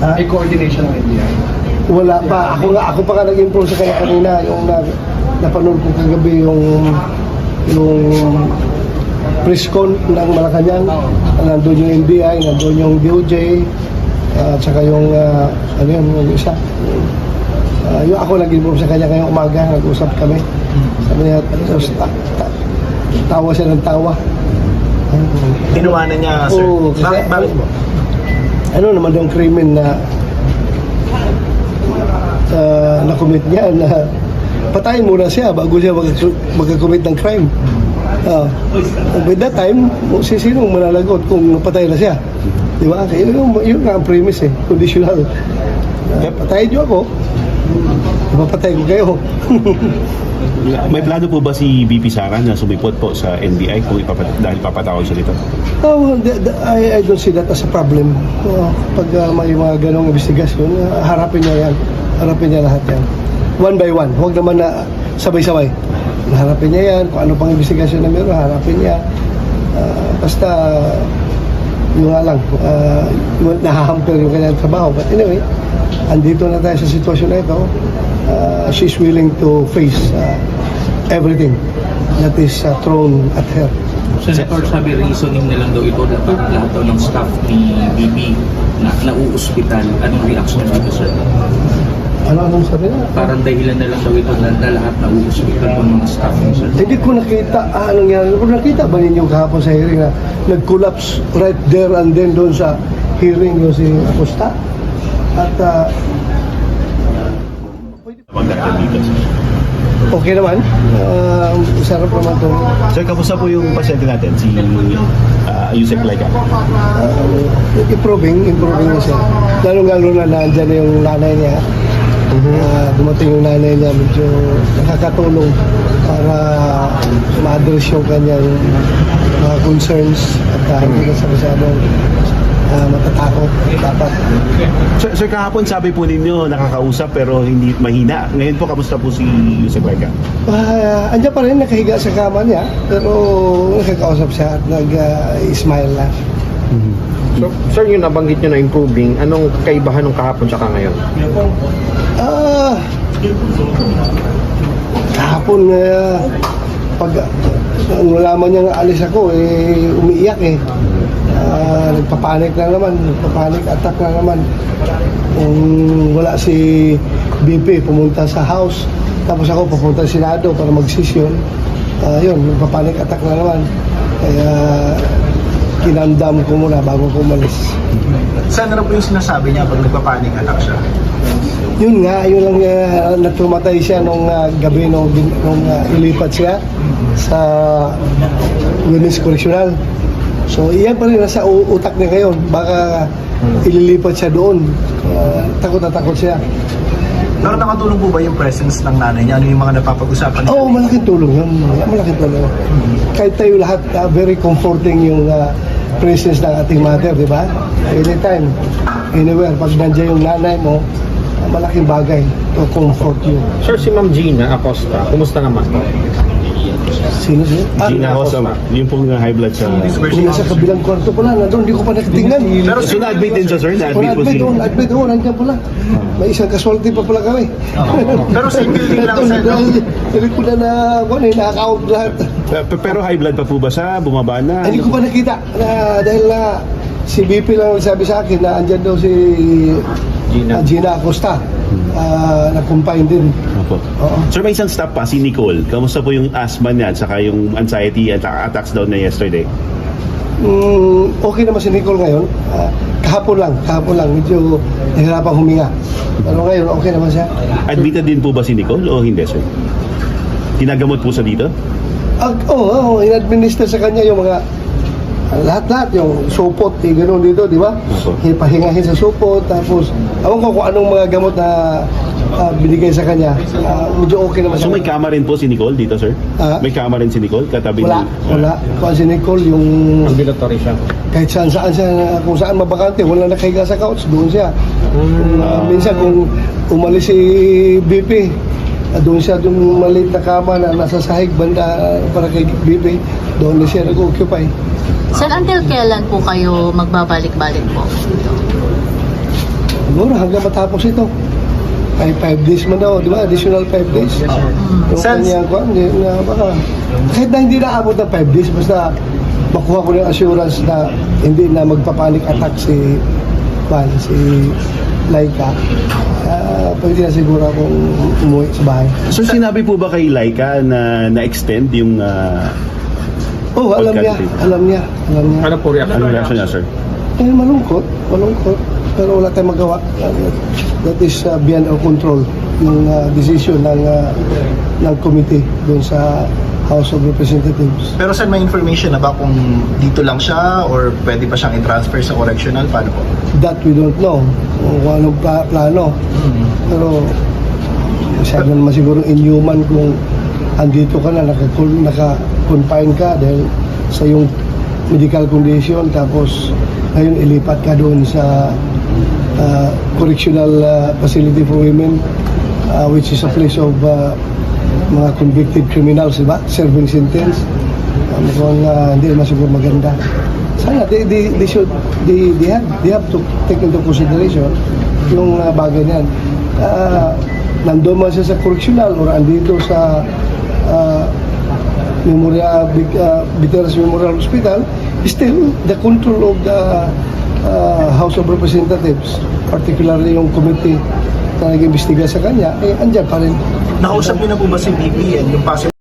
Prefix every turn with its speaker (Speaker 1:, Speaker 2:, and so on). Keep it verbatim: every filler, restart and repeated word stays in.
Speaker 1: Ha? May coordination ng N B I?
Speaker 2: Wala pa. Ako nga, ako pa nga nag-improve sa kanya kanina. Yung na, napanood ko kagabi yung yung press con ng Malacanang. Nandun yung N B I, nandun yung D O J, at saka yung, uh, ano yun, yung isa. Uh, yung ako nag-improve sa kanya ngayong umaga, nag-usap kami. Sabi niya, tapos ta, ta, tawa siya ng tawa.
Speaker 3: Tinuwanan niya, sir.
Speaker 2: Oo, kasi,
Speaker 3: bakit, bakit po?
Speaker 2: Ano naman yung krimen na uh, na-commit niya na patayin muna siya bago siya mag- mag-commit ng crime. Uh, by that time, si sinong manalagot kung napatay na siya? Di ba? Kaya yun, yun nga ang premise eh, conditional. Uh, patayin niyo ako, mapatay ko kayo.
Speaker 4: May plano po ba si B P Sara na sumipot po sa N B I kung ipapat dahil papatawag siya dito?
Speaker 2: Oh, the, the, I, I don't see that as a problem. Uh, pag uh, may mga ganong investigasyon, uh, harapin niya yan. Harapin niya lahat yan. One by one. Huwag naman na sabay-sabay. Harapin niya yan. Kung ano pang investigasyon na meron, harapin niya. Uh, basta, yung nga lang, uh, nahahamper yung kanyang trabaho. But anyway, andito na tayo sa sitwasyon na ito. Uh, she's willing to face uh, everything that is uh, thrown at her.
Speaker 5: Senator, sabi reasoning na lang daw ito na parang lahat daw ng staff ni B B na nauuspital. Anong reaction dito, sir?
Speaker 2: Ano anong sabi na?
Speaker 5: Parang dahilan na lang daw ito na, na lahat nauuspital ng mga staff niyo, sir.
Speaker 2: Hindi ko nakita, ah, anong yan. Kung nakita ba ninyo kahapon sa hearing na nag-collapse right there and then doon sa hearing yung si Acosta? At uh,
Speaker 4: Wag na dito, sir.
Speaker 2: okay naman. Uh, sarap naman to.
Speaker 4: Sir, kamusta po yung pasyente natin, si uh, Yusek Laika?
Speaker 2: Uh, improving, improving na siya. Lalo-lalo na nandyan na yung nanay niya. Uh, dumating yung nanay niya, medyo nakakatulong para ma-address yung kanyang mga concerns at uh, hindi na sa masyadong uh, matatakot dapat.
Speaker 4: Sir, sir, kahapon sabi po ninyo nakakausap pero hindi mahina. Ngayon po, kamusta po si Yusek Laika?
Speaker 2: Uh, andyan pa rin, nakahiga sa kama niya, pero nakakausap siya at nag-smile uh, na.
Speaker 3: So, sir, yung nabanggit nyo na improving, anong kaibahan ng kahapon tsaka ngayon?
Speaker 2: Ah, kahapon uh, pag uh, nalaman niya nga alis ako, eh, umiiyak eh. Uh, nagpapanik na naman, nagpapanik attack na naman. Kung wala si B P, pumunta sa house, tapos ako pupunta sa Senado para mag-session. Uh, yun, nagpapanik attack na naman. Kaya kinandam ko muna bago ko umalis.
Speaker 3: Saan na po yung sinasabi niya pag nagpapanik attack siya?
Speaker 2: Yun nga, yun lang uh, natumatay siya nung uh, gabi nung, nung uh, ilipat siya sa Women's Correctional. So iyan pa rin nasa u- utak niya ngayon. Baka ililipat siya doon. Uh, takot na takot siya.
Speaker 3: Pero nakatulong po ba yung presence ng nanay niya? Ano yung mga napapag-usapan niya?
Speaker 2: Oo, oh, malaking tulong yun. Malaking tulong. Kahit tayo lahat, uh, very comforting yung uh, presence ng ating mother, di ba? Anytime, anywhere, pag nandiyan yung nanay mo, uh, malaking bagay to comfort you.
Speaker 3: Sir, si Ma'am Gina Acosta, kumusta naman po?
Speaker 2: Sino siya? Ah,
Speaker 4: Gina Acosta, yung pong high blood sa...
Speaker 2: Kung nasa kabilang kwarto pala, nandun, hindi ko pa nakatingnan.
Speaker 4: Pero so na-admit din siya, sir? Na-admit po
Speaker 2: admit,
Speaker 4: si...
Speaker 2: oh, admit, oh, nandiyan pala. May isang casualty pa pala kami.
Speaker 3: Pero sa building lang, sir, no?
Speaker 2: Hindi ko na na, ano, nakaka-out lahat.
Speaker 4: Pe- Pero high blood pa po ba siya? Bumaba na?
Speaker 2: Hindi ko pa nakita na dahil na si B P lang sabi sa akin na andyan daw si
Speaker 3: Gina.
Speaker 2: uh, Gina Acosta. Uh, na-confine din.
Speaker 4: Opo.
Speaker 2: Oo.
Speaker 4: Sir, may isang staff pa, si Nicole. Kamusta po yung asthma niya at saka yung anxiety at attacks daw na yesterday?
Speaker 2: Mm, okay naman si Nicole ngayon. Uh, kahapon lang, kahapon lang. Medyo nahirapang huminga. Pero ngayon, okay naman siya.
Speaker 4: Admitted din po ba si Nicole o hindi, sir? Tinagamot po sa dito?
Speaker 2: Ag, oo, oh, oh, in-administer sa kanya yung mga uh, lahat-lahat, yung supot, eh, gano'n dito, di ba?
Speaker 4: Opo.
Speaker 2: Ipahingahin sa supot, tapos, awan ko kung anong mga gamot na uh, binigay sa kanya. Uh, medyo okay naman
Speaker 4: So
Speaker 2: siya.
Speaker 4: may kama rin po si Nicole dito, sir?
Speaker 2: Ah?
Speaker 4: May kama rin si Nicole katabi
Speaker 2: Wala,
Speaker 4: ni-
Speaker 2: wala. Kung si Nicole, yung
Speaker 3: Ambulatory siya.
Speaker 2: kahit saan saan siya, kung saan mabakante, wala nakahiga sa couch, doon siya. Kung, uh, minsan kung umalis si B P, uh, doon siya, doon maliit na kama na nasa sahig banda uh, para kay B P, doon na siya nag-occupy.
Speaker 6: Sir, until kailan po kayo magbabalik-balik po?
Speaker 2: Mga siguro hanggang matapos ito. Ay five days man daw, di ba? Additional five days. Yung
Speaker 1: Sense-
Speaker 2: kanyang kwan, di, na baka, kahit na hindi naabot ng five days, basta makuha ko ng assurance na hindi na magpapanic attack si kwan, si Laika. Uh, pwede na siguro akong umuwi sa bahay.
Speaker 4: Sir, sinabi po ba kay Laika na na-extend yung ah,
Speaker 2: Oh, alam niya,
Speaker 4: Pagka-
Speaker 2: alam niya, alam niya.
Speaker 3: Ano po reaction?
Speaker 4: ano reaction niya, sir?
Speaker 2: Eh, malungkot, malungkot. Pero wala tayong magawa. Uh, that is uh, beyond our control. Yung uh, decision ng uh, ng committee doon sa House of Representatives.
Speaker 1: Pero sir, may information na ba kung dito lang siya or pwede pa siyang i-transfer sa correctional? Paano po?
Speaker 2: That we don't know kung anong pla- plano. Pero masyado naman siguro inhuman kung andito ka na, naka- naka-confine ka dahil sa yung medical condition, tapos ngayon ilipat ka doon sa uh, correctional uh, facility for women, uh, which is a place of uh, mga convicted criminals, diba? Serving sentence. Uh, mukhang uh, hindi naman siguro maganda. Sana they, they, they should they, they have they have to take into consideration yung uh, bagay na yan. Uh, nandun man siya sa correctional or andito sa uh, Memorial uh, Veterans Memorial Hospital, still the control of the uh, House of Representatives, particularly yung committee na nag-imbestiga sa kanya, eh andyan pa rin.
Speaker 1: Nakausap niyo na po ba si B P and yung possible